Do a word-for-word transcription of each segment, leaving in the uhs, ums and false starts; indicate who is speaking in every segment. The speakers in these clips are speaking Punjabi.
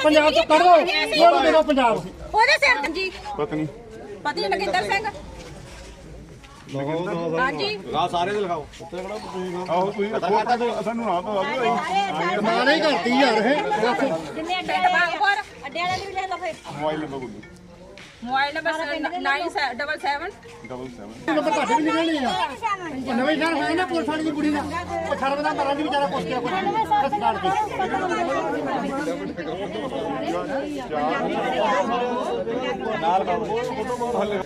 Speaker 1: पंजाब तो कर दो वोट दे दो पंजाब
Speaker 2: ਉਹਦੇ ਸਿਰ ਤੇ ਜੀ
Speaker 3: ਪਤਨੀ
Speaker 2: ਪਤੀ ਨਗਿੰਦਰ ਸਿੰਘ ਹਾਂਜੀ
Speaker 3: ਲਗਾਓ ਸਾਰੇ ਦੇ ਲਗਾਓ ਆਹੋ ਤੁਸੀਂ ਸਾਨੂੰ ਨਾ ਤਾਂ ਆਜੋ
Speaker 1: ਨਾ ਨਹੀਂ ਕਰਤੀ ਯਾਰ ਇਹ
Speaker 2: ਜਿੰਨੇ ਅੱਡੇ ਬਾਗਪੁਰ ਅੱਡੇ ਵਾਲੇ ਵੀ ਲੈ ਲਓ ਫਿਰ
Speaker 3: ਮੋਬਾਈਲ ਨੰਬਰ ਬੋਲੋ
Speaker 2: mobile number nine double seven
Speaker 3: double seven
Speaker 1: number ਤੁਹਾਡੇ ਵੀ ਨਿਕਲਣੇ ਆ ਨਵੇਂ ਸ਼ਹਿਰ ਹੋਇਆ ਨਾ ਪੁਲਿਸ ਵਾਲੀ ਦੀ ਕੁੜੀ ਦਾ ਉਹ ਸ਼ਰਮ ਦਾ ਮਰਾਂ ਦੀ ਵਿਚਾਰਾ ਪੁੱਛ ਗਿਆ ਕੋਈ ਹਸਪਤਾਲ ਕੇ
Speaker 3: ਨਾਲ ਬਾਬੂ ਫੋਟੋ ਬਹੁਤ ਹੱਲੇ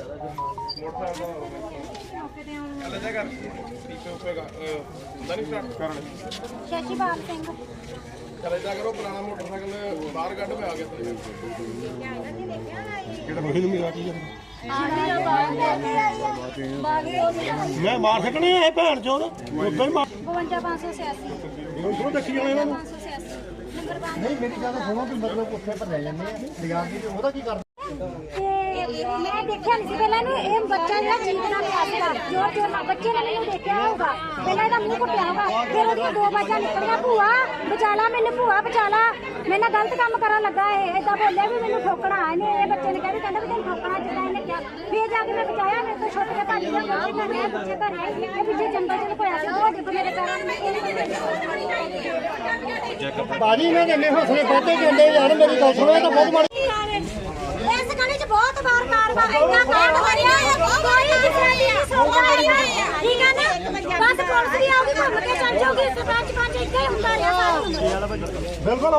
Speaker 3: ਚੱਲ ਜਾ ਕਰ ਠੀਕ ਹੋਏਗਾ ਹੁੰਦਾ ਨਹੀਂ ਸਟਾਰਟ ਕਰਨ
Speaker 4: ਸ਼ਸ਼ੀਪਾਲ ਸਿੰਘ
Speaker 3: ਚੱਲ ਜਾ ਕਰੋ ਪੁਰਾਣਾ ਮੋਟਰਸਾਈਕਲ ਬਾਹਰ ਕੱਢ ਮੈਂ ਆ ਗਿਆ ਕਿਹੜਾ ਮਹੀਨੇ ਨੂੰ ਮਿਲਾ ਕੀ ਮੈਂ ਮਾਰ ਸਕਣੇ ਆ ਭੈਣ ਚੋਦ ਉਦੋਂ ਹੀ ਮਾਰ
Speaker 4: ਬਵੰਜਾ ਪੰਜ ਸੌ ਛਿਆਸੀ
Speaker 3: ਉਹ ਦੇਖੀ ਜਾਣੇ ਇਹਨਾਂ ਨੂੰ
Speaker 4: ਪੰਜ ਸੌ ਛਿਆਸੀ ਨੰਬਰ ਬਾਰਾਂ
Speaker 1: ਨਹੀਂ ਮੇਰੀ ਗੱਲ ਸੁਣੋ ਕਿ ਮਤਲਬ ਉੱਥੇ ਪਰ ਲੈ ਜਾਂਦੇ ਆ ਲਿਆ ਕੇ ਉਹਦਾ ਕੀ ਕਰਦੇ
Speaker 4: ਤੇ ਮੈਂ ਦੇਖਿਆ ਨਹੀਂ ਸੀ ਪਹਿਲਾਂ ਇਹਨੂੰ ਇਹ ਬੱਚਾ ਜਿਹੜਾ ਚੀਕਦਾ ਪਿਆ ਸੀਗਾ ਜੋਰ ਜੋਰ ਨਾਲ ਬੱਚੇ ਨੇ ਮੈਨੂੰ ਦੇਖਿਆ ਹੋਊਗਾ ਪਹਿਲਾਂ ਇਹਦਾ ਮੂੰਹ ਕੁੱਟਿਆ ਹੋਊਗਾ ਫਿਰ ਉਹਦੀਆਂ ਦੋ ਬਾਜਾਂ ਨਿਕਲੀਆਂ ਭੂਆ ਬਚਾ ਲਾ ਮੈਨੂੰ ਭੂਆ ਬਚਾ ਲਾ ਮੇਰੇ ਨਾਲ ਗਲਤ ਕੰਮ ਕਰਨ ਲੱਗਾ ਇਹ ਏਦਾਂ ਬੋਲਿਆ ਵੀ ਮੈਨੂੰ ਠੋਕਣਾ ਇਹਨੇ ਇਹ ਬੱਚੇ ਨੇ ਕਿਹਾ ਵੀ ਕਹਿੰਦਾ ਵੀ ਤੈਨੂੰ ਠੋਕਣਾ ਜਿੱਦਾਂ ਇਹਨੇ ਕਿਹਾ ਫਿਰ ਜਾ ਕੇ ਮੈਂ ਬਚਾਇਆ ਮੇਰੇ ਤੋਂ ਛੁੱਟ ਕੇ ਭੱਜ ਗਿਆ ਬੱਚੇ ਮੈਂ ਮੈਂ ਪਿੱਛੇ ਘਰ ਆਈ ਇਹ ਪਿੱਛੇ ਜੰਗਲ ਚ ਲੁਕੋਇਆ ਸੀ ਉਹ ਡਿੱਗ ਮੇਰੇ ਪੈਰਾਂ ਨੂੰ
Speaker 1: ਬਾਜੀ ਨੇ ਜਿੰਨੇ ਹੌਸਲੇ ਬਹੁਤੇ ਦਿੰਦੇ ਯਾਰ ਮੇਰੀ ਗੱਲ ਸੁਣੋ ਇਹ ਤਾਂ ਬਹੁਤ ਮਾੜੀ
Speaker 4: ਇਸ ਗਲੀ ਚ ਬਹੁਤ ਵਾਰ ਕਾਰਵਾਈ ਇੰਨਾ ਕਾਂਡ ਹੋਇਆ ਕੋਈ ਕਿਸੇ ਦੀ ਸੁਣਦਾ ਨਹੀਂ ਠੀਕ ਹੈ ਨਾ ਬਸ ਪੁਲਿਸ ਵੀ ਆਉਗੀ ਘੁੰਮ ਕੇ ਚੱਲ ਜਾਊਗੀ ਸਰਪੰਚ ਪੰਚ ਇੱਥੇ ਹੀ ਹੁੰਦਾ ਰਿਹਾ ਸਾਰੀ
Speaker 1: ਬਿਲਕੁਲ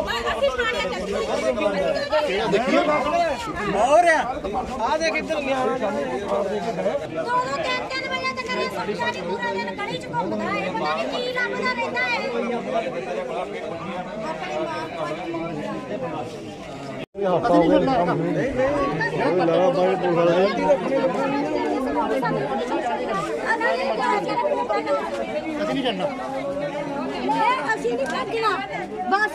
Speaker 5: ਹੋਰ ਆ ਦੇਖ ਇੱਧਰ ਗਿਆ
Speaker 4: ਦੋ ਦੋ ਤਿੰਨ ਤਿੰਨ ਵਜੇ ਤੱਕ ਇਹ ਸਰਪੰਚ ਪੂਰਾ ਦਿਨ ਗਲੀ ਚ ਘੁੰਮਦਾ ਹੈ ਪਤਾ ਨਹੀਂ ਕੀ ਲੱਭਦਾ ਰਹਿੰਦਾ
Speaker 1: ਅਸੀਂ ਨਹੀਂ ਕਰਨਾ
Speaker 4: ਇਹ ਅਸੀਂ ਨਹੀਂ ਭੱਜਣਾ ਬਸ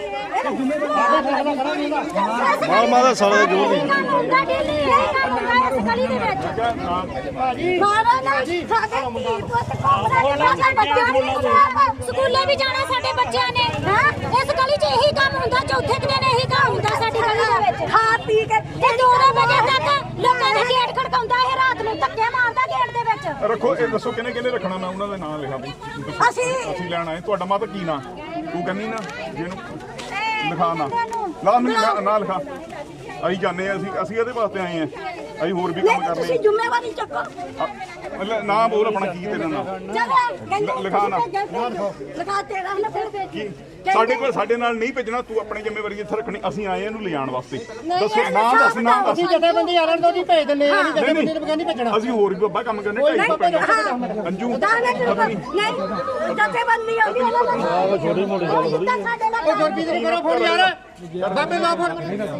Speaker 3: ਮਾਰ ਮਾਰ ਸਾਲੇ ਜੋ ਵੀ
Speaker 4: ਮੁੰਡਾ ਡੇਲੀ ਇਹ ਕੰਮ ਹੁੰਦਾ ਇਸ ਗਲੀ ਦੇ ਵਿੱਚ ਮਾਰਾ ਨਾ ਸਾਡੇ ਧੀ ਪੁੱਤ ਘੁੰਮਦਾ ਸਾਡਾ ਬੱਚਾ ਨਹੀਂ ਸਕੂਲੇ ਵੀ ਜਾਣਾ ਸਾਡੇ ਬੱਚਿਆਂ ਨੇ ਹਾਂ ਇਸ ਗਲੀ 'ਚ ਇਹੀ ਕੰਮ ਹੁੰਦਾ ਚੌਥੇ ਕੁ ਦਿਨ ਇਹੀ ਕੰਮ ਹੁੰਦਾ ਸਾਡੀ ਗਲੀ ਦੇ ਵਿੱਚ ਖਾ ਪੀ ਕੇ ਤੇ ਦੋ ਵਜੇ ਤੱਕ ਲੋਕਾਂ ਦੇ ਗੇਟ ਖੜਕਾਉਂਦਾ ਇਹ ਰਾਤ ਨੂੰ ਧੱਕੇ ਮਾਰਦਾ ਗੇਟ ਦੇ ਵਿੱਚ
Speaker 3: ਰੱਖੋ ਇਹ ਦੱਸੋ ਕਿਹਨੇ ਕਿਹਨੇ ਰੱਖਣਾ ਮੈਂ ਉਹਨਾਂ ਦਾ ਨਾਮ ਲਿਖਾ ਬਈ
Speaker 4: ਅਸੀਂ
Speaker 3: ਅਸੀਂ ਲੈਣਾ ਹੈ ਤੁਹਾਡਾ ਮਾਤਾ ਕੀ ਨਾਂ ਤੂੰ ਕਹਿੰਦੀ ਨਾ ਜਿਹਨੂੰ ਲਿਖਾ ਨਾ ਲਾ ਮੈਨੂੰ ਨਾ ਲਿਖਾ ਅਸੀਂ ਜਾਂਦੇ ਆ ਅਸੀਂ ਅਸੀਂ ਇਹਦੇ ਵਾਸਤੇ ਆਏ ਆ ਅਸੀਂ ਹੋਰ ਵੀ ਕੰਮ ਕਰਨੇ
Speaker 4: ਤੁਸੀਂ ਜ਼ਿੰਮੇਵਾਰੀ ਚੱਕੋ
Speaker 3: ਮਤਲਬ ਨਾ ਬੋਲ ਆਪਣਾ ਕੀ ਤੇਰਾ ਨਾਮ ਲਿਖਾ ਨਾ
Speaker 4: ਲਗਾ ਤੇਰਾ ਨਾ ਫਿਰ
Speaker 3: ਕੀ ਸਾਡੇ ਕੋਲ ਸਾਡੇ ਨਾਲ ਨਹੀਂ ਭੇਜਣਾ ਤੂੰ ਆਪਣੀ ਜ਼ਿੰਮੇਵਾਰੀ ਇੱਥੇ ਰੱਖਣੀ ਅਸੀਂ ਆਏ ਇਹਨੂੰ ਲਿਜਾਣ ਵਾਸਤੇ ਦੱਸੋ ਨਾਮ ਦੱਸ ਨਾਮ ਦੱਸ
Speaker 1: ਅਸੀਂ ਜਥੇਬੰਦੀ ਵਾਲਿਆਂ ਨੂੰ ਜੀ ਭੇਜ ਦਿੰਦੇ ਆ ਨਹੀਂ ਜਥੇਬੰਦੀ ਨੂੰ ਨਹੀਂ ਭੇਜਣਾ
Speaker 3: ਅਸੀਂ ਹੋਰ ਵੀ ਬਾਬਾ ਕੰਮ ਕਰਨੇ ਢਾਈ ਸੌ ਪੈਣਾ ਅੰਜੂ
Speaker 4: ਨਹੀਂ ਜਥੇਬੰਦੀ ਆਉਂਦੀ ਉਹਨਾਂ ਦਾ ਛੋਟੀ ਮੋਟੀ ਸਾਡੇ ਨਾਲ
Speaker 1: ਉਹ ਗੁਰਪ੍ਰੀਤ ਨੂੰ ਕਰੋ ਫੋਨ ਯਾਰ ਬਾਬੇ ਲਾ ਫੋਨ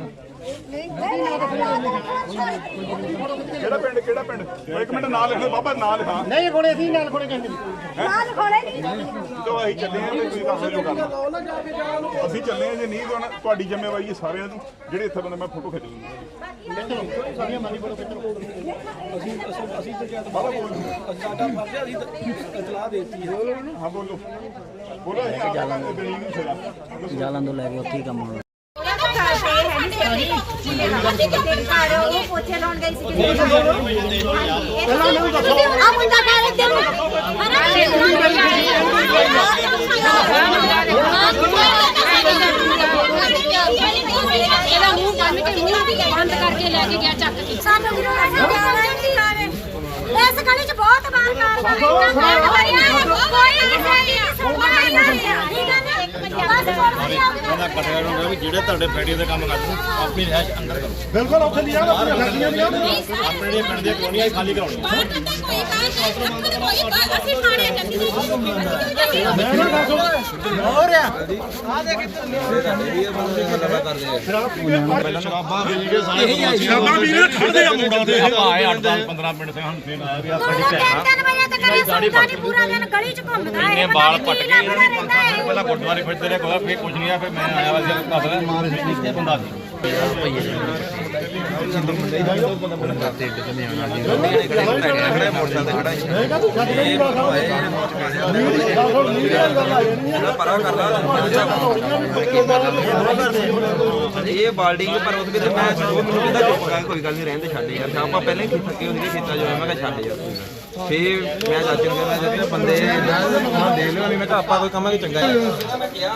Speaker 3: ਕਿਹੜਾ ਪਿੰਡ ਕਿਹੜਾ ਪਿੰਡ ਇੱਕ ਮਿੰਟ ਨਾਂ ਲਿਖ ਲਓ ਬਾਬਾ ਨਾਂ ਲਿਖਾ
Speaker 1: ਨਹੀਂ ਕੋਲੇ ਅਸੀਂ ਨਾਲ ਕੋਲੇ ਕਹਿੰਦੇ
Speaker 4: ਨਾਲ ਖੋਲੇ ਨਹੀਂ
Speaker 3: ਤੋ ਅਸੀਂ ਚੱਲੇ ਆ ਤੇ ਤੁਸੀਂ ਦੱਸੋ ਜੋ ਕਰਨਾ ਅਸੀਂ ਚੱਲੇ ਆ ਜੇ ਨਹੀਂ ਤਾਂ ਤੁਹਾਡੀ ਜ਼ਿੰਮੇਵਾਰੀ ਹੈ ਸਾਰਿਆਂ ਦੀ ਜਿਹੜੇ ਇੱਥੇ ਬੰਦੇ ਮੈਂ ਫੋਟੋ ਖਿੱਚ ਲੂੰਗਾ
Speaker 1: ਸਾਰੀਆਂ ਮਾਨੀ ਬੋਲੋ ਕਿੱਧਰ
Speaker 5: ਅਸੀਂ ਅਸੀਂ ਤੇ ਕਿਹਾ ਬਾਬਾ ਬੋਲ ਸਾਡਾ ਫਰਜ਼ ਹੈ ਅਸੀਂ ਇਤਲਾਹ ਦੇਤੀ ਹੈ
Speaker 3: ਹਾਂ ਬੋਲੋ ਬੋਲੋ ਅਸੀਂ ਜਾਲਾਂ ਦੇ ਗਲੀ ਨੂੰ ਛੜਾ
Speaker 5: ਜਾਲਾਂ ਤੋਂ ਲੈ ਕੇ ਉੱਥੇ ਹੀ ਕੰਮ ਹੋਣਾ
Speaker 4: ਉਹ ਪੋਚੇ ਲਾਉਣ ਗਈ ਸੀ ਆ ਮੁੰਡਾ ਕਾਲੇ ਦਿਨ
Speaker 2: ਇਹਦਾ ਮੂੰਹ ਬੰਨ ਕੇ ਮੂੰਹ ਬੰਦ ਕਰਕੇ ਲੈ ਕੇ ਗਿਆ ਚੱਕ ਕੇ
Speaker 4: ਸਾਨੂੰ ਇਸ ਗਲੀ ਚ ਬਹੁਤ ਵਾਰ ਕਾਰਵਾਈ ਕੋਈ ਕਿਸੇ ਦੀ ਸੁਣਦਾ ਨਹੀਂ ਠੀਕ ਹੈ ਨਾ ਬਸ ਪੁਲਿਸ
Speaker 6: ਉਹਨਾਂ ਕਟਿਆ ਨੂੰ ਵੀ ਜਿਹੜੇ ਤੁਹਾਡੇ ਫੈਕਟਰੀ ਦੇ ਕੰਮ ਕਰਦੇ ਆਪਣੀ ਰਹਿਸ਼ ਅੰਦਰ ਕਰੋ
Speaker 1: ਬਿਲਕੁਲ ਉੱਥੇ ਲਿਆ ਨਾ ਪੂਰੇ ਫੈਕਟਰੀਆਂ ਦੀਆਂ
Speaker 6: ਆਪਣੇ ਜਿਹੜੇ ਪਿੰਡ ਦੀਆਂ ਕਲੋਨੀਆਂ ਖਾਲੀ ਕਰਾਉਣੀਆਂ
Speaker 1: ਹੋਰ ਆ
Speaker 6: ਪਹਿਲਾਂ ਸ਼ਰਾਬਾਂ ਵੇਚ ਕੇ ਸਾਰੇ ਸ਼ਰਾਬਾਂ ਵੀਰੇ ਖੜਦੇ ਆ ਮੁੰਡਾ ਦੇ ਆਏ ਅੱਠ ਦਸ ਪੰਦਰਾਂ ਮਿੰਟ ਸੇ ਹੁਣ ਫੇਰ ਆਇਆ ਵੀ ਆ ਸਾਡੀ ਭੈਣ
Speaker 4: ਤਿੰਨ ਵਜੇ ਤੱਕ ਇਹ ਸੁਣਦਾ ਨਹੀਂ ਪੂਰਾ ਦਿਨ ਗਲੀ ਚ ਘੁੰਮਦਾ ਹੈ
Speaker 6: ਇਹਨੇ ਵਾਲ ਪੱਟ ਕੇ ਇਹਨਾਂ ਨੇ ਪਹਿਲਾਂ ਗੁਰਦੁਆਰੇ ਫਿਰਦੇ ਰਹੇ ਕੋਈ ਫੇਰ ਕੁਝ ਨਹੀਂ ਆ ਫੇਰ ਮੈਂ ਆਇਆ ਵਾ ਸੀ ਘਰ ਮਾਰ ਇੱਥੇ ਬੰਦਾ ਸੀ
Speaker 7: ਇਹ ਬਾਲਡਿੰਗ ਪਰ ਉਸ ਵੇਲੇ ਮੈਂ ਉਹ ਮੈਨੂੰ ਕਹਿੰਦਾ ਚੁੱਪ ਕਰ ਕੋਈ ਗੱਲ ਨਹੀਂ ਰਹਿਣ ਦੇ ਛੱਡ ਯਾਰ ਆਪਾਂ ਪਹਿਲਾਂ ਹੀ ਥੱਕੇ ਹੁੰਦੇ ਖੇਤਾਂ ਜੋ ਮੈਂ ਕਿਹਾ ਛੱਡ ਯਾਰ ਫੇਰ ਮੈਂ ਚਾਚੇ ਨੂੰ ਕਹਿੰਦਾ ਜਿਹੜੇ ਬੰਦੇ ਹਾਂ ਦੇਖ ਲਿਓ ਨਹੀਂ ਮੈਂ ਕਿਹਾ ਆਪਾਂ ਕੋਈ ਕੰਮ ਹੈ ਚੰਗਾ ਹੈ ਮੈਂ ਕਿਹਾ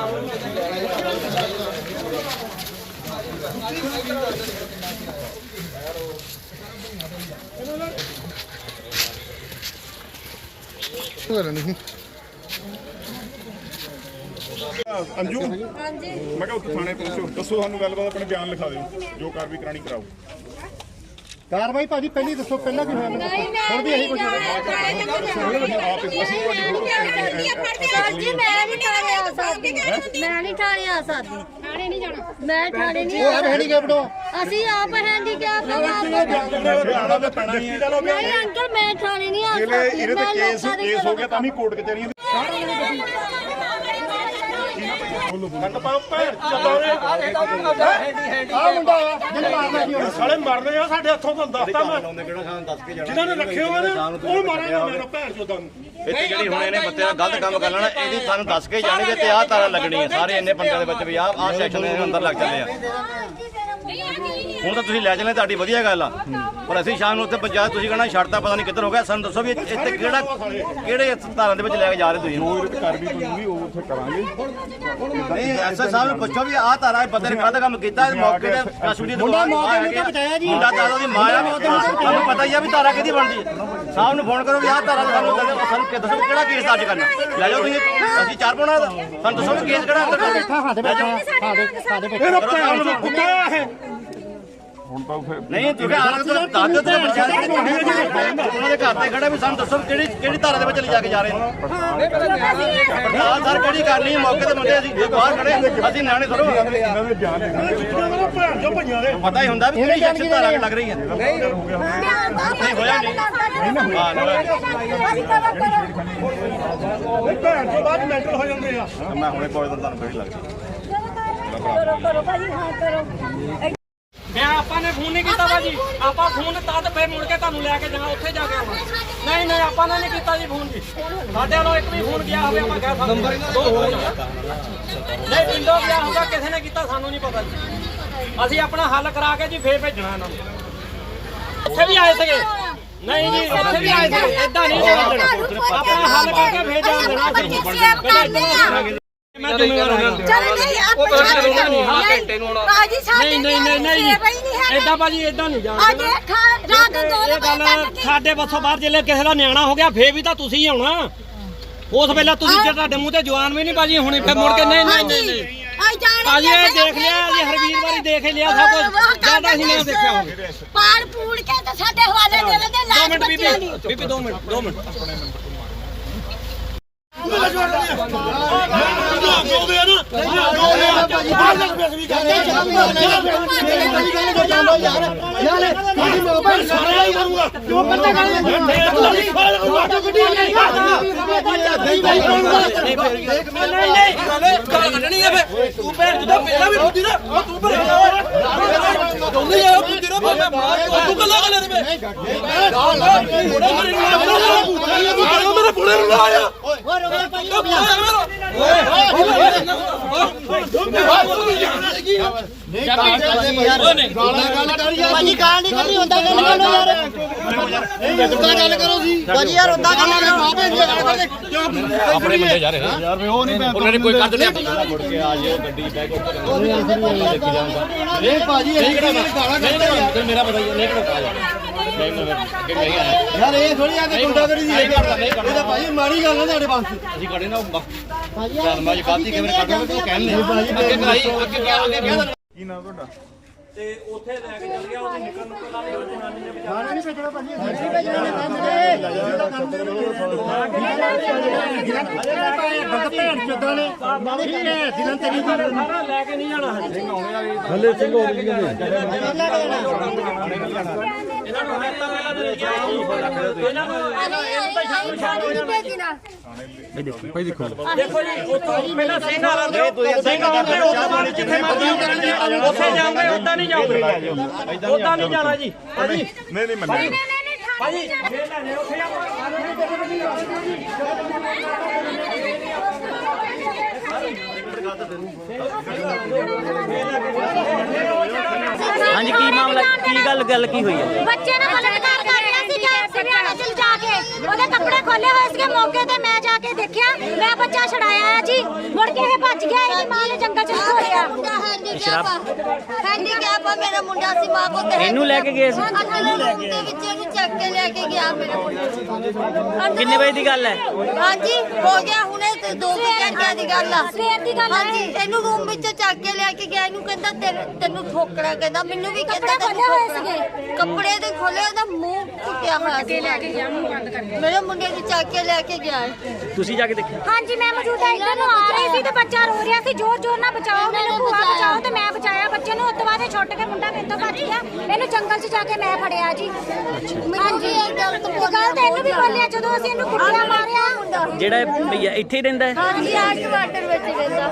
Speaker 3: ਅੰਜੂ ਹਾਂਜੀ ਮੈਂ ਕਿਹਾ ਉੱਥੇ ਥਾਣੇ ਪਹੁੰਚੋ ਦੱਸੋ ਸਾਨੂੰ ਗੱਲਬਾਤ ਆਪਣੇ ਬਿਆਨ ਲਿਖਾ ਦਿਓ ਜੋ ਕਾਰਵਾਈ ਕਰਾਣੀ ਕਰਾਓ
Speaker 1: ਕਾਰਵਾਈ ਭਾਜੀ ਪਹਿਲੀ ਦੱਸੋ ਪਹਿਲਾਂ ਕੀ ਹੋਇਆ ਹੁਣ ਵੀ ਇਹੀ ਕੁਝ
Speaker 4: ਸਰ ਜੀ ਮੈਂ ਨਹੀਂ ਥਾਣੇ ਆ ਸਕਦੀ ਮੈਂ ਨਹੀਂ ਥਾਣੇ ਆ ਸਕਦੀ ਥਾਣੇ ਨਹੀਂ ਜਾਣਾ ਮੈਂ ਥਾਣੇ ਨਹੀਂ
Speaker 1: ਉਹ ਹੈ ਹੈਂਡੀਕੈਪਡ
Speaker 4: ਅਸੀਂ ਆਪ ਹੈਂਡੀਕੈਪ
Speaker 3: ਜਾਣਾ ਤਾਂ ਪੈਣਾ ਹੀ ਹੈ
Speaker 4: ਨਹੀਂ ਅੰਕਲ ਮੈਂ ਥਾਣੇ ਨਹੀਂ ਆ
Speaker 3: ਇਹਦੇ
Speaker 4: ਸਕਦੀ
Speaker 3: ਇਹਦੇ ਤੇ ਕੇਸ ਕੇਸ ਹੋ ਗਿਆ ਤਾਂ ਵੀ ਕੋਰਟ ਕਚਹਿਰੀਆਂ
Speaker 6: ਸਾਲੇ ਮਰਨੇ ਆ ਸਾਡੇ ਹੱਥੋਂ ਤੁਹਾਨੂੰ ਦੱਸਤਾ ਮੈਂ ਜਿਨ੍ਹਾਂ ਨੇ ਰੱਖੇ ਹੋਏ ਨੇ ਉਹ ਮਾਰਾਂਗਾ ਮੇਰਾ ਭੈਣ ਚੋਦਾਂ ਨੂੰ
Speaker 8: ਇੱਥੇ ਜਿਹੜੀ ਹੁਣ ਇਹਨੇ ਬੱਤੇ ਦਾ ਗਲਤ ਕੰਮ ਕਰ ਲੈਣਾ ਇਹਦੀ ਸਾਨੂੰ ਦੱਸ ਕੇ ਜਾਣਗੇ ਤੇ ਆਹ ਤਾਰਾਂ ਲੱਗਣੀ ਹੈ ਸਾਰੇ ਇੰਨੇ ਬੰਦਿਆਂ ਦੇ ਵਿੱਚ ਵੀ ਆਹ ਆਹ ਸੈਕਸ਼ਨ ਦੇ ਅੰਦਰ ਲੱਗ ਚੱਲੇ ਆ ਹੁਣ ਤਾਂ ਤੁਸੀਂ ਲੈ ਚੱਲੇ ਤੁਹਾਡੀ ਵਧੀਆ ਗੱਲ ਆ ਪਰ ਅਸੀਂ ਸ਼ਾਮ ਨੂੰ ਉੱਥੇ ਪੰਚਾਇਤ ਤੁਸੀਂ ਕਹਿਣਾ ਛੱਡਤਾ ਪਤਾ ਨਹੀਂ ਕਿੱਧਰ ਹੋ ਗਿਆ ਸਾਨੂੰ ਦੱਸੋ ਵੀ ਇੱਥੇ ਕਿਹੜਾ ਕਿਹੜੇ ਧਾਰਾਂ ਦੇ ਵਿੱਚ ਲੈ ਕੇ ਜਾ ਰਹੇ ਤੁਸੀਂ
Speaker 3: ਜੋ ਇਹਦੇ ਤੇ ਕਾਰਵਾਈ ਬਣੂਗੀ ਉਹ ਉੱਥੇ ਕਰਾਂਗੇ
Speaker 8: ਨਹੀਂ ਐਸਾ ਸਾਹਿਬ ਨੂੰ ਪੁੱਛੋ ਵੀ ਆਹ ਤਾਰਾ ਇਹ ਬੰਦੇ ਨੇ ਗਲਤ ਕੰਮ ਕੀਤਾ ਮੌਕੇ ਤੇ ਕਸੂਰੀ ਦੇ ਮੁੰਡਾ ਮੌਕੇ ਤੇ ਬਚਾਇਆ ਜੀ ਮੁੰਡਾ ਤਾਰਾ ਦੀ ਮਾਂ ਆ ਤੁਹਾਨੂੰ ਪਤਾ ਹੀ ਆ ਵੀ ਤਾਰਾ ਕਿਹਦੀ ਬਣਦੀ ਹੈ ਸਾਹਿਬ ਨੂੰ ਫੋਨ ਕਰੋ ਵੀ ਆਹ ਤਾਰਾ ਸਾਨੂੰ ਸਾਨੂੰ ਕਿ ਦੱਸੋ ਕਿਹੜਾ ਕੇਸ ਦਰਜ ਕਰਨਾ ਲੈ ਜਾਓ ਤੁਸੀਂ ਅਸੀਂ ਚਾਰ ਪਾਉਣਾ ਸਾਨੂੰ ਦੱਸੋ ਵੀ ਕੇਸ ਕਿਹੜਾ ਅੰਦਰ
Speaker 1: ਸਾਡੇ ਬੱਚੇ ਸਾਡੇ ਬੱਚੇ
Speaker 6: ਇਹਦਾ ਭੈਣ ਚੋਦ ਕੁੱਤਾ ਇਹ
Speaker 3: ਹੁਣ ਤਾਂ ਫਿਰ
Speaker 8: ਨਹੀਂ ਤੁਸੀਂ ਆਹ ਤਾਂ ਦੱਸ ਦਿਓ ਤੇ ਪੰਚਾਇਤ ਉਹਨਾਂ ਦੇ ਘਰ ਤੇ ਖੜਾ ਵੀ ਸਾਨੂੰ ਦੱਸੋ ਕਿਹੜੀ ਕਿਹੜੀ ਧਾਰਾ ਦੇ ਵਿੱਚ ਲੈ ਜਾ ਕੇ ਜਾ ਰਹੇ ਨੇ ਪੜਤਾਲ ਸਰ ਕਿਹੜੀ ਕਰਨੀ ਹੈ ਮੌਕੇ ਤੇ ਬੰਦੇ ਅਸੀਂ ਜੇ ਬਾਹਰ ਖੜੇ ਅਸੀਂ ਨਿਆਣੇ ਥੋੜੋ
Speaker 3: ਇਹਨਾਂ ਦੇ ਬਿਆਨ ਲਿਖਾਂਗੇ
Speaker 6: ਭੈਣ ਚੋਦ ਭਈਆਂ ਦੇ
Speaker 8: ਪਤਾ ਹੀ ਹੁੰਦਾ ਵੀ ਕਿਹੜੀ ਸੈਕਸ਼ਨ ਧਾਰਾ ਲੱਗ ਰਹੀ ਹੈ ਨਹੀਂ ਹੋਇਆ ਨਹੀਂ ਹਾਂ
Speaker 6: ਭੈਣ ਚੋਦ ਬਾਅਦ ਮੈਂਟਲ ਹੋ ਜਾਂਦੇ ਆ
Speaker 8: ਮੈਂ ਹੁਣੇ ਕੋਈ ਦਿਨ ਤੁਹਾਨੂੰ ਕਿਹੜੀ ਲੱਗਦੀ
Speaker 4: ਕਰੋ ਕਰੋ ਭਾਜੀ ਹਾਂ ਕਰੋ
Speaker 5: ਮੈਂ ਆਪਾਂ ਨੇ ਫੋਨ ਨਹੀਂ ਕੀਤਾ ਭਾਜੀ ਆਪਾਂ ਫੋਨ ਤਦ ਫੇਰ ਮੁੜ ਕੇ ਤੁਹਾਨੂੰ ਲੈ ਕੇ ਜਾਣਾ ਉੱਥੇ ਜਾ ਕੇ ਆਉਣਾ ਨਹੀਂ ਨਹੀਂ ਆਪਾਂ ਨੇ ਨਹੀਂ ਕੀਤਾ ਜੀ ਫੋਨ ਜੀ ਸਾਡੇ ਵੱਲੋਂ ਇੱਕ ਵੀ ਫੋਨ ਗਿਆ ਹੋਵੇ ਆਪਾਂ ਕਹਿ ਸਕਦੇ ਨੰਬਰ ਨਹੀਂ ਪਿੰਡੋਂ ਗਿਆ ਹੋਊਗਾ ਕਿਸੇ ਨੇ ਕੀਤਾ ਸਾਨੂੰ ਨਹੀਂ ਪਤਾ ਜੀ ਅਸੀਂ ਆਪਣਾ ਹੱਲ ਕਰਾ ਕੇ ਜੀ ਫੇਰ ਭੇਜਣਾ ਇਹਨਾਂ ਨੂੰ ਉੱਥੇ ਵੀ ਆਏ ਸੀਗੇ ਨਹੀਂ ਜੀ ਉੱਥੇ ਵੀ ਆਏ ਸੀ ਇਦਾਂ ਨਹੀਂ ਭੇਜਣਾ ਆਪਣਾ ਹੱਲ ਕਰਕੇ ਫੇਰ ਜਾਣ ਦੇਣਾ ਅਸੀਂ ਪਹਿਲਾਂ ਇਦਾਂ ਮੈਂ ਜ਼ਿੰਮੇਵਾਰ ਹਾਂ
Speaker 4: ਚਲੋ ਨਹੀਂ ਆਪਾਂ
Speaker 5: ਘੰਟੇ ਨੂੰ ਆਉਣਾ
Speaker 4: ਭਾਜੀ ਸਾਡੇ
Speaker 5: ਨਹੀਂ ਨਹੀਂ ਨਹੀਂ ਜੀ ਏਦਾਂ ਭਾਜੀ ਏਦਾਂ ਨਹੀਂ ਜਾਣਾ
Speaker 4: ਅੱਜ ਰਾਤ ਦੋ
Speaker 5: ਇਹ ਗੱਲ ਸਾਡੇ ਬੱਸੋਂ ਬਾਹਰ ਜਿੱਲੇ ਕਿਸੇ ਦਾ ਨਿਆਣਾ ਹੋ ਗਿਆ ਫੇਰ ਵੀ ਤਾਂ ਤੁਸੀਂ ਹੀ ਆਉਣਾ ਉਸ ਵੇਲੇ ਤੁਸੀਂ ਜੇ ਤੁਹਾਡੇ ਮੂੰਹ ਤੇ ਜਵਾਨ ਵੀ ਨਹੀਂ ਭਾਜੀ ਹੁਣੇ ਫੇਰ ਮੁੜ ਕੇ ਨਹੀਂ ਨਹੀਂ ਨਹੀਂ ਨਹੀਂ ਭਾਜੀ ਇਹ ਦੇਖ ਲਿਆ ਜੀ ਹਰ ਵੀਰ ਵਾਰੀ ਦੇਖ ਲਿਆ ਸਭ ਕੁਝ ਜਿਆਦਾ ਹੀ ਨਾ ਦੇਖਿਆ ਹੋਵੇ
Speaker 4: ਪਾੜ ਪੂੜ ਕੇ ਤੇ ਸਾਡੇ ਹਵਾਲੇ ਦੇ ਦੇ
Speaker 5: ਦੋ
Speaker 4: ਲਾਜ
Speaker 5: ਮਿੰਟ
Speaker 4: ਬੱਚਿਆਂ ਦੀ
Speaker 5: ਬੀਬੀ ਬੀਬੀ ਦੋ ਮਿੰਟ ਦੋ ਮਿੰਟ ਕੱਢਣੀ ਹੈ ਫੇ ਤੂੰ ਭੈਣ ਜਦੋਂ ਪਹਿਲਾਂ ਵੀ ਬੁੱਧੀ ਨਾ ਤੂੰ ਭੈਣ ਦੋਨੇ ਆ ਬੁੱਧੀ ਨਾ ਮੈਂ ਮਾਰ ਤੂੰ ਕੱਲਾ ਕੱਲੇ ਨੇ ਮੇਰੇ ਪੁੜੇ ਨੂੰ ਲਾਇਆ
Speaker 1: ਭਾਜੀ ਗਾਲ ਨਹੀਂ ਕਰਨੀ ਹੁੰਦਾ ਗੱਲ ਕਰੋ ਯਾਰ ਉਦਾਂ ਗੱਲ ਕਰੋ ਸੀ ਭਾਜੀ ਯਾਰ ਉਦਾਂ ਗੱਲ ਕਰੋ ਮਾਂ ਭੈਣ ਦੀ ਗੱਲ ਕਰਦੇ ਕਿਉਂ
Speaker 8: ਆਪਣੇ ਬੰਦੇ ਜਾ ਰਹੇ ਯਾਰ ਵੀ ਉਹ ਨਹੀਂ ਉਹਨਾਂ ਨੇ ਕੋਈ ਕੱਢ ਲਿਆ ਮੁੜ ਕੇ ਆ ਜਿਓ ਗੱਡੀ ਬੈਕ ਉੱਪਰ ਦੇਖੀ ਜਾਊਗਾ
Speaker 1: ਨਹੀਂ ਭਾਜੀ ਇਹ ਕਿਹੜਾ ਗਾਲਾਂ ਕੱਢਦੇ
Speaker 8: ਮੇਰਾ ਪਤਾ ਹੀ ਨਹੀਂ ਕਿਹੜਾ ਨਹੀਂ ਨਹੀਂ
Speaker 1: ਯਾਰ ਇਹ ਥੋੜੀ ਆ ਕਿ ਗੁੰਡਾਗਰੀ ਦੀ ਇਹ ਕਰਦਾ ਨਹੀਂ ਕਰਦਾ ਭਾਜੀ ਮਾੜੀ ਗੱਲ ਹੈ ਤੁਹਾਡੇ ਵਾਸਤੇ
Speaker 8: ਅਸੀਂ ਖੜੇ ਨਾ ਧਰਮਾਂ 'ਚ ਗਲਤੀ ਕਿਵੇਂ ਕੱਢੋਗੇ ਤੂੰ ਕਹਿੰਦੇ ਭਾਜੀ ਅੱਗੇ ਕਰਾਈ ਅੱਗੇ ਅੱਗੇ
Speaker 3: ਕੀ ਨਾਮ ਤੁਹਾਡਾ
Speaker 5: ਤੇ ਉੱਥੇ ਲੈ ਕੇ ਚੱਲ ਗਿਆ ਉਹਦੀ ਨਿਕਲਣ ਨੂੰ ਪਹਿਲਾਂ ਉਹ ਜਨਾਨੀ ਨੇ ਵਿਚਾਰਾ
Speaker 1: ਨਹੀਂ ਭੇਜਣਾ ਭਾਜੀ ਨਹੀਂ ਭੇਜਣਾ ਬੰਦ ਭੇੜ ਚੋਦਾਂ ਨੇ ਠੀਕ ਹੈ ਦਿਨਾਂ ਤੇਰੀ
Speaker 5: ਸਾਰਾ ਲੈ ਕੇ ਨਹੀਂ ਜਾਣਾ
Speaker 6: ਹਲੇ ਸਿੰਘ ਹੋ ਗਈ
Speaker 5: ਇਹਨਾਂ ਨੂੰ ਹੱਥਾਂ ਪਹਿਲਾਂ ਦੇ ਗਿਆ ਇਹਨਾਂ ਨੂੰ ਇਹਨੂੰ ਤਾਂ ਸ਼ਾਮ ਸ਼ਾਮ ਹੋ ਜਾਣਾ
Speaker 7: ਭਾਈ ਦੇਖੋ
Speaker 5: ਦੇਖੋ ਜੀ ਉੱਥੋਂ ਪਹਿਲਾਂ ਸਿੰਘ ਆ ਰਹੇ ਸਿੰਘ ਆਉਂਦੇ ਉਦੋਂ ਬਾਅਦ ਜਿੱਥੇ ਮਰਜ਼ੀ ਉੱਥੇ ਜਾਓਗੇ ਉਦਾਂ ਨਹੀਂ ਜਾਓਗੇ ਉਦਾਂ ਨਹੀਂ ਜਾਣਾ ਜੀ ਭਾਜੀ
Speaker 3: ਨਹੀਂ ਨਹੀਂ ਮੰਨਿਆ
Speaker 5: ਭਾਜੀ ਜੇ ਲੈਣੇ ਉੱਥੇ
Speaker 9: ਹਾਂਜੀ ਕੀ ਮਾਮਲਾ ਕੀ ਗੱਲ ਗੱਲ ਕੀ ਹੋਈ ਹੈ
Speaker 4: ਬੱਚੇ ਨਾਲ ਬਲਾਤਕਾਰ ਕਰ ਰਿਹਾ ਸੀ ਕਿ ਸਿਵਿਆਣਾ ਚ ਜਾ ਕੇ ਉਹਦੇ ਕੱਪੜੇ ਖੋਲੇ ਹੋਏ ਸੀਗੇ ਮੌਕੇ ਤੇ ਮੈਂ ਜਾ ਕੇ ਦੇਖਿਆ ਮੈਂ ਬੱਚਾ ਛਡਾਇਆ ਆ ਜੀ ਮੁੜ ਕੇ ਇਹ ਭੱਜ ਗਿਆ ਇਹਦੀ ਮਾਂ ਨੇ ਜੰਗਲ ਚ ਖੋਲਿਆ
Speaker 2: ਹੈਂਡੀਕੈਪ ਆ ਮੇਰਾ ਮੁੰਡਾ ਸੀ ਮਾਂ ਕੋ ਤੇ
Speaker 9: ਇਹਨੂੰ ਲੈ ਕੇ ਗਏ ਸੀ
Speaker 2: ਦੇ ਵਿੱਚ ਇਹਨੂੰ ਚੱਕ ਕੇ ਲੈ ਕੇ ਗਿਆ ਮੇਰਾ ਮੁੰਡਾ
Speaker 9: ਕਿੰਨੇ ਵਜੇ ਦੀ ਗੱਲ ਹੈ
Speaker 2: ਹਾਂਜੀ ਹੋ ਗਿਆ ਹੁਣੇ ਤੇ ਦੋ ਕੁ ਘੰਟਿਆਂ ਦੀ ਗੱਲ ਆ
Speaker 4: ਸਵੇਰ ਦੀ ਗੱਲ
Speaker 2: ਹਾਂਜੀ ਇਹਨੂੰ ਰੂਮ ਵਿੱਚ ਚੱਕ ਕੇ ਲੈ ਕੇ ਗਿਆ ਇਹਨੂੰ ਕਹਿੰਦਾ ਤੈਨੂੰ- ਤੈਨੂੰ ਠੋਕਣਾ ਕਹਿੰਦਾ ਮੈਨੂੰ ਵੀ ਕਹਿੰਦਾ
Speaker 4: ਕੱਪੜੇ
Speaker 2: ਤੈਨੂੰ
Speaker 4: ਖੋਲੇ ਹੋਏ
Speaker 2: ਠੋਕਣਾ। ਕੱਪੜੇ ਤੇ ਖੋਲੇ ਉਹਦਾ ਮੂੰਹ ਟੁੱਟਿਆ ਹੋਇਆ ਸੀ ਲੈ ਕੇ ਗਿਆ ਮੂੰਹ ਬੰਦ ਕਰਕੇ ਮੇਰੇ ਮੁੰਡੇ ਨੂੰ ਚੱਕ ਕੇ ਲੈ ਕੇ ਗਿਆ
Speaker 9: ਤੁਸੀਂ ਜਾ ਕੇ ਦੇਖਿਆ
Speaker 4: ਹਾਂਜੀ ਮੈਂ ਮੌਜੂਦਾ ਇੱਧਰ ਨੂੰ ਆ ਰਹੀ ਸੀ ਤੇ ਬੱਚਾ ਰੋ ਰਿਹਾ ਸੀ ਜ਼ੋਰ ਜ਼ੋਰ ਨਾਲ ਬਚਾਓ ਮੈਨੂੰ ਭੂਆ ਬਚਾਓ ਤੇ ਮੈਂ ਬਚਾਇਆ ਬੱਚੇ ਨੂੰ। ਉਸ ਤੋਂ ਬਾਅਦ ਇਹ ਛੁੱਟ ਕੇ ਮੁੰਡਾ ਮੇਰੇ ਤੋਂ ਭੱਜ ਗਿਆ ਇਹਨੂੰ ਜੰਗਲ 'ਚ ਜਾ ਕੇ ਮੈਂ ਫੜਿਆ ਜੀ ਹਾਂਜੀ ਇਹ ਗੱਲ ਤਾਂ ਇਹਨੂੰ ਵੀ ਬੋਲਿਆ ਜਦੋਂ ਅਸੀਂ ਇਹਨੂੰ ਕੁੱਟਿਆ ਮਾਰਿਆ
Speaker 9: ਜਿਹੜਾ ਇਹ ਭਈਆ ਇੱਥੇ ਹੀ ਰਹਿੰਦਾ ਹੈ
Speaker 2: ਹਾਂਜੀ ਆਟ ਵਾਟਰ ਵਿੱਚ ਰਹਿੰਦਾ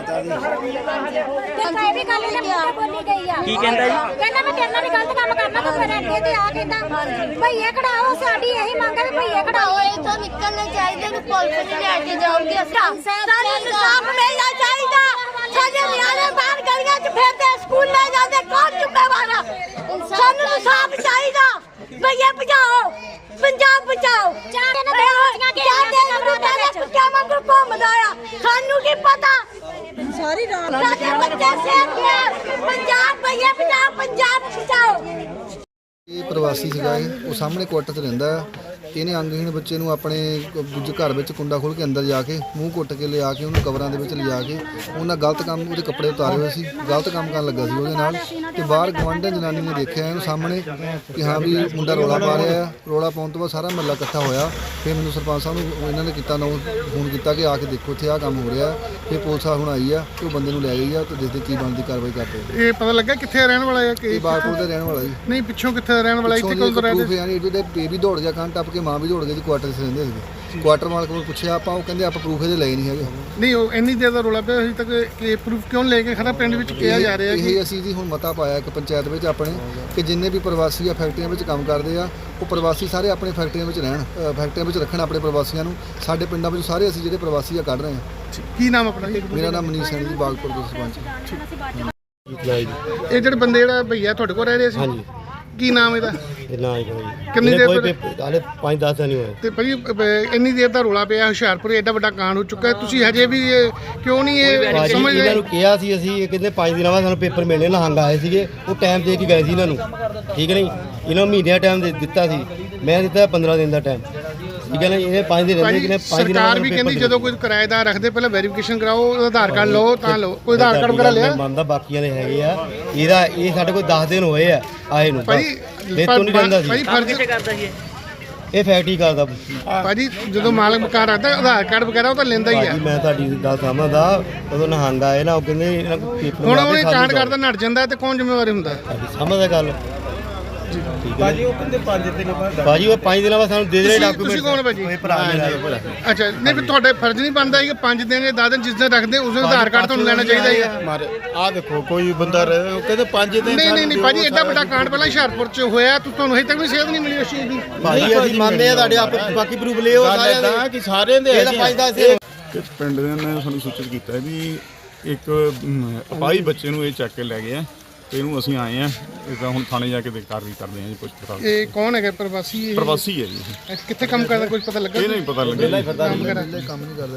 Speaker 4: ਤੇ ਕਾਇ ਵੀ ਗੱਲ ਇਹਨੇ ਮੁੰਡੇ ਬੋਲੀ ਗਈ ਆ
Speaker 9: ਕੀ ਕਹਿੰਦਾ ਜੀ
Speaker 4: ਕਹਿੰਦਾ ਮੈਂ ਤੇਰੇ ਨਾਲ ਵੀ ਗਲਤ ਕੰਮ ਕਰਨਾ ਤੂੰ ਮੇਰੇ ਅੱਗੇ ਤੇ ਆ ਕਹਿੰਦਾ ਭਈਏ ਕਢਾਓ ਸਾਡੀ ਇਹੀ ਮੰਗ ਹੈ ਵੀ ਭਈਏ ਕਢਾਓ
Speaker 2: ਇਹ ਤੋਂ ਨਿਕਲਣਾ ਚਾਹੀਦਾ ਨੂੰ ਪੁਲਿਸ ਨੇ ਲੈ ਕੇ ਜਾਓਗੇ ਸਾਨੂੰ ਇਨਸਾਫ ਮਿਲਣਾ ਚਾਹੀਦਾ ਸਾਡੇ ਨਿਆਣੇ ਬਾਹਰ ਗਲੀਆਂ 'ਚ ਫਿਰਦੇ ਸਕੂਲ ਲੈ ਜਾਂਦੇ ਕੌਣ ਜ਼ਿੰਮੇਵਾਰ ਆ ਸਾਨੂੰ ਇਨਸਾਫ ਚਾਹੀਦਾ ਭਈਏ ਬਚਾਓ ਪੰਜਾਬ ਬਚਾਓ
Speaker 4: ਚਾਰ ਦਿਨ ਦੇ ਬੱਚੀਆਂ ਕੇ
Speaker 2: ਪਹਿਲੇ ਕੁੱਤਿਆਂ ਵਾਂਗੂ ਘੁੰਮਦਾ ਆ ਸਾਨੂੰ ਕੀ ਪਤਾ ਸਾਰੀ ਰਾਤ ਸਾਡੇ ਬੱਚੇ ਸੇਫ ਨੇ ਪੰਜਾਬ ਭਈਏ ਬਚਾਓ ਪੰਜਾਬ ਬਚਾਓ
Speaker 10: ਇਹ ਪ੍ਰਵਾਸੀ ਸੀਗਾ ਇਹ ਉਹ ਸਾਹਮਣੇ ਕੁਆਟਰ 'ਚ ਰਹਿੰਦਾ ਆ ਇਹਨੇ ਅੰਗਹੀਣ ਬੱਚੇ ਨੂੰ ਆਪਣੇ ਦੂਜੇ ਘਰ ਵਿੱਚ ਕੁੰਡਾ ਖੋਲ੍ਹ ਕੇ ਅੰਦਰ ਜਾ ਕੇ ਮੂੰਹ ਕੁੱਟ ਕੇ ਲਿਆ ਕੇ ਉਹਨੂੰ ਕਵਰਾਂ ਦੇ ਵਿੱਚ ਲਿਜਾ ਕੇ ਉਹਨਾਂ ਗਲਤ ਕੰਮ ਉਹਦੇ ਕੱਪੜੇ ਉਤਾਰੇ ਹੋਏ ਸੀ ਗਲਤ ਕੰਮ ਕਰਨ ਲੱਗਾ ਸੀ ਉਹਦੇ ਨਾਲ ਤੇ ਬਾਹਰ ਗੁਆਂਢਣ ਜਨਾਨੀ ਨੇ ਦੇਖਿਆ ਇਹਨੂੰ ਸਾਹਮਣੇ ਕਿ ਹਾਂ ਵੀ ਮੁੰਡਾ ਰੌਲਾ ਪਾ ਰਿਹਾ ਆ ਰੌਲਾ ਪਾਉਣ ਤੋਂ ਬਾਅਦ ਸਾਰਾ ਮਹੱਲਾ ਇਕੱਠਾ ਹੋਇਆ ਫਿਰ ਮੈਨੂੰ ਸਰਪੰਚ ਸਾਹਿਬ ਨੂੰ ਇਹਨਾਂ ਨੇ ਕੀਤਾ ਨਾ ਫੋਨ ਕੀਤਾ ਕਿ ਆ ਕੇ ਦੇਖੋ ਇੱਥੇ ਆਹ ਕੰਮ ਹੋ ਰਿਹਾ ਫਿਰ ਪੁਲਿਸ ਹੁਣ ਆਈ ਆ ਤੇ ਉਹ ਬੰਦੇ ਨੂੰ ਲੈ ਗਈ ਆ ਤੇ ਦੇਖਦੇ ਕੀ ਬਣਦੀ ਕਾਰਵਾਈ ਕਰਦੇ
Speaker 1: ਇਹ ਪਤਾ ਲੱਗਾ ਕਿੱਥੇ ਰਹਿਣ ਵਾਲਾ ਹੈ ਕਿ
Speaker 10: ਇਹ ਬਾਗਪੁਰ ਦਾ ਰਹਿਣ ਵਾਲਾ ਜੀ
Speaker 1: ਨਹੀਂ ਪਿੱਛੋਂ ਕਿੱਥੇ ਰਹਿਣ ਵਾਲਾ ਇੱਥੇ ਕੋਲ ਰਹਿੰਦੇ
Speaker 10: ਯਾਨੀ ਇਹਦੇ ਬੇਬੀ ਦੌੜ ਗਿਆ ਕੰਨ ਟੱਪ ਕੇ ਮਾਂ ਵੀ ਦੌੜ ਗਈ ਜੀ ਕੁਆਟਰ 'ਚ ਰਹਿੰਦੇ ਸੀਗੇ ਕੁਆਟਰ ਮਾਲਕ ਨੂੰ ਪੁੱਛਿਆ ਆਪਾਂ ਉਹ ਕਹਿੰਦੇ ਆਪਾਂ ਪ੍ਰੂਫ ਇਹਦੇ ਲਏ ਨਹੀਂ ਹੈਗੇ
Speaker 1: ਨਹੀਂ ਉਹ ਇੰਨੀ ਦੇਰ ਦਾ ਰੋਲਾ ਪਿਆ ਅਜੇ ਤੱਕ ਕਿ ਪ੍ਰੂਫ ਕਿਉਂ ਲੈ ਕੇ ਖੜਾ ਪਿੰਡ ਵਿੱਚ ਕਿਹਾ ਜਾ ਰਿਹਾ ਕਿ
Speaker 10: ਇਹ ਅਸੀਂ ਜੀ ਹੁਣ ਮਤਾ ਪਾਇਆ ਇੱਕ ਪੰਚਾਇਤ ਵਿੱਚ ਆਪਣੇ ਕਿ ਜਿੰਨੇ ਵੀ ਪ੍ਰਵਾਸੀ ਆ ਫੈਕਟਰੀਆਂ ਵਿੱਚ ਕੰਮ ਕਰਦੇ ਆ ਉਹ ਪ੍ਰਵਾਸੀ ਸਾਰੇ ਆਪਣੇ ਫੈਕਟਰੀਆਂ ਵਿੱਚ ਰਹਿਣ ਫੈਕਟਰੀਆਂ ਵਿੱਚ ਰੱਖਣ ਆਪਣੇ ਪ੍ਰਵਾਸੀਆਂ ਨੂੰ ਸਾਡੇ ਪਿੰਡਾਂ ਵਿੱਚ ਸਾਰੇ ਅਸੀਂ ਜਿਹੜੇ ਪ੍ਰਵਾਸੀ ਆ ਕੱਢ ਰਹੇ ਹਾਂ
Speaker 1: ਕੀ ਨਾਮ ਆਪਣਾ
Speaker 10: ਮੇਰਾ ਨਾਮ ਮਨੀਸ਼ ਸਿੰਘ ਜੀ ਬਾਗਪੁਰ ਦੇ ਸਰਪੰਚ
Speaker 1: ਇਹ ਜਿਹੜੇ ਬੰਦੇ ਜਿਹੜਾ ਭਈਆ ਤੁਹਾਡੇ ਕੋਲ ਰਹਿ ਰਹੇ ਸੀ ਹਾਂਜੀ ਕੀ ਨਾਮ ਇਹਦਾ
Speaker 6: ਨਾ ਹੀ ਕੋਈ
Speaker 1: ਕਿੰਨੀ ਦੇਰ
Speaker 6: ਕੋਈ
Speaker 1: ਤੋਂ
Speaker 6: ਹਾਲੇ ਪੰਜ ਦਸ ਦਿਨ ਹੀ ਹੋਏ
Speaker 1: ਤੇ ਭਾਜੀ ਅਹ, ਇੰਨੀ ਦੇਰ ਦਾ ਰੋਲਾ ਪਿਆ ਹੁਸ਼ਿਆਰਪੁਰ ਐਡਾ ਵੱਡਾ ਕਾਂਡ ਹੋ ਚੁੱਕਾ ਹੈ ਤੁਸੀਂ ਹਜੇ ਵੀ ਇਹ ਕਿਉਂ ਨਹੀਂ ਇਹ
Speaker 6: ਭਾਜੀ
Speaker 1: ਸਮਝਦੇ
Speaker 6: ਇਹਨਾਂ ਨੂੰ ਕਿਹਾ ਸੀ ਅਸੀਂ ਇਹ ਕਹਿੰਦੇ ਪੰਜ ਦਿਨਾਂ ਬਾਅਦ ਸਾਨੂੰ ਪੇਪਰ ਮਿਲਣੇ ਲਹੰਗ ਆਏ ਸੀਗੇ ਉਹ ਟਾਈਮ ਦੇ ਕੇ ਗਏ ਸੀ ਇਹਨਾਂ ਨੂੰ ਠੀਕ ਨਹੀਂ ਇਹਨਾਂ ਨੂੰ ਮਹੀਨਿਆਂ ਟਾਈਮ ਦੇ ਦਿੱਤਾ ਸੀ ਮੈਂ ਦਿੱਤਾ ਪੰਦਰਾਂ ਦਿਨ ਦਾ ਟਾਈਮ ਠੀਕ ਹੈ ਨਾ ਇਹ ਪੰਜ ਦਿਨ ਰਹਿੰਦੇ ਕਿ ਨੇ ਪੰਜ ਦਿਨਾਂ
Speaker 1: ਸਰਕਾਰ ਵੀ ਕਹਿੰਦੀ ਜਦੋਂ ਕੋਈ ਕਿਰਾਏਦਾਰ ਰੱਖਦੇ ਪਹਿਲਾਂ ਵੈਰੀਫਿਕੇਸ਼ਨ ਕਰਾਓ ਆਧਾਰ ਕਾਰਡ ਲਓ ਤਾਂ ਲਓ ਕੋਈ ਆਧਾਰ ਕਾਰਡ ਵਗੈਰਾ ਲਿਆ
Speaker 6: ਮੰਨਦਾ ਬਾਕੀਆਂ ਦੇ ਹੈਗੇ ਆ ਇਹਦਾ ਇਹ ਸਾਡੇ ਕੋਲ ਦਸ ਦਿਨ ਹੋਏ ਆ ਆਏ ਨੂੰ
Speaker 1: ਭਾਜੀ
Speaker 6: ਇਹ ਤੋਂ ਨਹੀਂ ਰਹਿੰਦਾ
Speaker 1: ਭਾਜੀ
Speaker 6: ਸੀ
Speaker 1: ਫਰਜ਼
Speaker 9: ਕਰਦਾ ਸੀ
Speaker 6: ਇਹ ਫੈਕਟਰੀ ਕਰਦਾ
Speaker 1: ਭਾਜੀ ਜਦੋਂ ਮਾਲਕ ਮਕਾਨ ਰੱਖਦਾ ਆਧਾਰ ਕਾਰਡ ਵਗੈਰਾ ਉਹ ਤਾਂ ਲੈਂਦਾ ਹੀ ਆ
Speaker 6: ਭਾਜੀ ਮੈਂ ਤੁਹਾਡੀ ਗੱਲ ਸਮਝਦਾ ਉਦੋਂ ਨਹੰਗ ਆਏ ਨਾ ਉਹ ਕਹਿੰਦੇ ਇਹਨਾਂ ਕੋਲ ਪੇਪਰ
Speaker 1: ਹੁਣ ਉਹਨੇ ਕਾਂਡ ਕਰਦਾ ਨੱਟ ਜਾਂਦਾ ਤੇ ਕੌਣ ਜ਼ਿੰਮੇਵਾਰ ਹੁੰਦਾ
Speaker 6: ਸਮਝਦਾ ਗੱਲ ਭਾਜੀ ਉਹ ਕਹਿੰਦੇ ਪੰਜ ਦਿਨ ਬਾਅਦ ਭਾਜੀ ਉਹ ਪੰਜ ਦਿਨਾਂ ਬਾਅਦ ਸਾਨੂੰ ਦੇ ਦੇ
Speaker 1: ਤੁਸੀਂ-
Speaker 6: ਡਾਕੂਮੈਂਟ
Speaker 1: ਤੁਸੀਂ ਕੌਣ ਭਾਜੀ?
Speaker 6: ਇਹ ਭਰਾ ਮੇਰਾ
Speaker 1: ਅੱਛਾ ਨਹੀਂ ਫਿਰ ਤੁਹਾਡੇ ਫਰਜ਼ ਨਹੀਂ ਬਣਦਾ ਕਿ ਪੰਜ ਦਿਨ ਜਾਂ ਦਸ ਦਿਨ ਜਿਸ ਦਿਨ ਰੱਖਦੇ ਉਸ ਦਿਨ ਆਧਾਰ ਕਾਰਡ ਤੁਹਾਨੂੰ ਲੈਣਾ ਚਾਹੀਦਾ ਹੀ ਆ
Speaker 6: ਮਾਰੇ ਆ ਦੇਖੋ ਕੋਈ ਬੰਦਾ ਰਹੇ ਉਹ ਕਹਿੰਦੇ ਪੰਜ ਦਿਨ
Speaker 1: ਨਹੀਂ ਨਹੀਂ ਨਹੀਂ ਭਾਜੀ ਐਡਾ ਵੱਡਾ ਕਾਂਡ ਪਹਿਲਾਂ ਹੁਸ਼ਿਆਰਪੁਰ ਚ ਹੋਇਆ ਤੂੰ ਤੁਹਾਨੂੰ ਹਜੇ ਤੱਕ ਵੀ ਸੇਧ ਨਹੀਂ ਮਿਲੀ ਉਸ ਚੀਜ਼ ਦੀ
Speaker 6: ਭਾਜੀ ਅਸੀਂ ਮੰਨਦੇ ਆ ਤੁਹਾਡੇ ਆਪ ਬਾਕੀ ਪ੍ਰੂਫ ਲਿਓ ਸਾਰਿਆਂ ਦੇ ਕਿ ਸਾਰਿਆਂ ਦੇ ਇਹਦਾ ਪੰਜ ਦਸ ਦਿਨ
Speaker 3: ਕਿ ਪਿੰਡ ਦੇ ਨੇ ਸਾਨੂੰ ਸੂਚਿਤ ਕੀਤਾ ਵੀ ਇੱਕ ਅਮ, ਅਪਾਹਜ ਬੱਚੇ ਨੂੰ ਇਹ ਚੱਕ ਕੇ ਲੈ ਗਏ ਆ ਤੇ ਇਹਨੂੰ ਅਸੀਂ ਆਏ ਆ ਇਹਦਾ ਹੁਣ ਥਾਣੇ ਜਾ ਕੇ ਦੇ ਕਾਰਵਾਈ ਕਰਦੇ ਆ ਜੀ ਪੁੱਛ ਪੜਤਾਲ
Speaker 1: ਇਹ ਕੌਣ ਹੈਗਾ ਪ੍ਰਵਾਸੀ ਇਹ?
Speaker 3: ਪ੍ਰਵਾਸੀ ਹੈ ਜੀ
Speaker 1: ਇਹ ਕਿੱਥੇ ਕੰਮ ਕਰਦਾ ਕੁਝ ਪਤਾ ਲੱਗਾ
Speaker 3: ਇਹ ਨਹੀਂ ਪਤਾ ਲੱਗਿਆ ਜੀ।
Speaker 1: ਕੰਮ ਵਗੈਰਾ?
Speaker 10: ਕੰਮ ਨਹੀਂ ਕਰਦਾ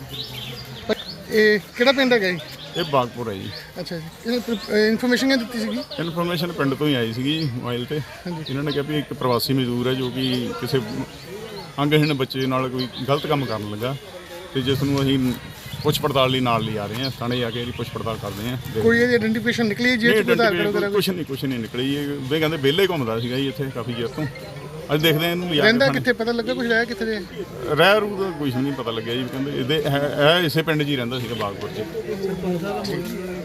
Speaker 10: ਜੀ
Speaker 1: ਇਹ ਕਿਹੜਾ ਪਿੰਡ ਹੈਗਾ ਜੀ
Speaker 3: ਇਹ ਬਾਗਪੁਰ ਹੈ ਜੀ
Speaker 1: ਅੱਛਾ ਜੀ ਇਹ ਇਨਫੋਰਮੇਸ਼ਨ ਕਿਹਨੇ ਦਿੱਤੀ ਸੀਗੀ
Speaker 3: ਇਨਫੋਰਮੇਸ਼ਨ ਪਿੰਡ ਤੋਂ ਹੀ ਆਈ ਸੀਗੀ ਮੋਬਾਈਲ ਤੇ ਇਹਨਾਂ ਨੇ ਕਿਹਾ ਵੀ ਇੱਕ ਪ੍ਰਵਾਸੀ ਮਜ਼ਦੂਰ ਹੈ ਜੋ ਕਿ ਕਿਸੇ ਅੰਗਹੀਣ ਬੱਚੇ ਨਾਲ ਕੋਈ ਗਲਤ ਕੰਮ ਕਰਨ ਲੱਗਾ ਤੇ ਜਿਸ ਨੂੰ ਅਸੀਂ ਪੁੱਛ ਪੜਤਾਲ ਲਈ ਨਾਲ ਲਿਆ ਰਹੇ ਆ, ਥਾਣੇ ਜਾ ਕੇ ਇਹਦੀ ਪੁੱਛ ਪੜਤਾਲ ਕਰਦੇ ਆ।
Speaker 11: ਕੋਈ ਇਹਦੀ ਆਇਡੈਂਟੀਫਿਕੇਸ਼ਨ ਨਿਕਲੀ ਜੇ
Speaker 3: ਨਹੀਂ,
Speaker 11: ਆਧਾਰ ਕਾਰਡ ਵਗੈਰਾ
Speaker 3: ਕੁਛ ਨਹੀਂ ਕੁਛ ਨਹੀਂ ਨਿਕਲੀ। ਇਹ ਵੇ ਕਹਿੰਦੇ ਵਿਹਲੇ ਘੁੰਮਦਾ ਸੀਗਾ ਜੀ ਇੱਥੇ ਕਾਫੀ ਚਿਰ ਤੋਂ। ਅੱਜ ਦੇਖਦੇ ਆ ਇਹਨੂੰ ਲਿਆ ਕੇ
Speaker 11: ਰਹਿੰਦਾ
Speaker 3: ਥਾਣੇ।
Speaker 11: ਕਿੱਥੇ ਪਤਾ ਲੱਗਾ ਕੁਝ ਰਹਿ ਕਿੱਥੇ ਦੇ
Speaker 3: ਰਹਿ ਰੂ ਦਾ ਕੁਛ ਨਹੀਂ ਪਤਾ ਲੱਗਿਆ ਜੀ। ਕਹਿੰਦੇ ਇਹਦੇ ਇਹ ਇਸੇ ਪਿੰਡ 'ਚ ਹੀ ਰਹਿੰਦਾ ਸੀਗਾ ਬਾਗਪੁਰ 'ਚ।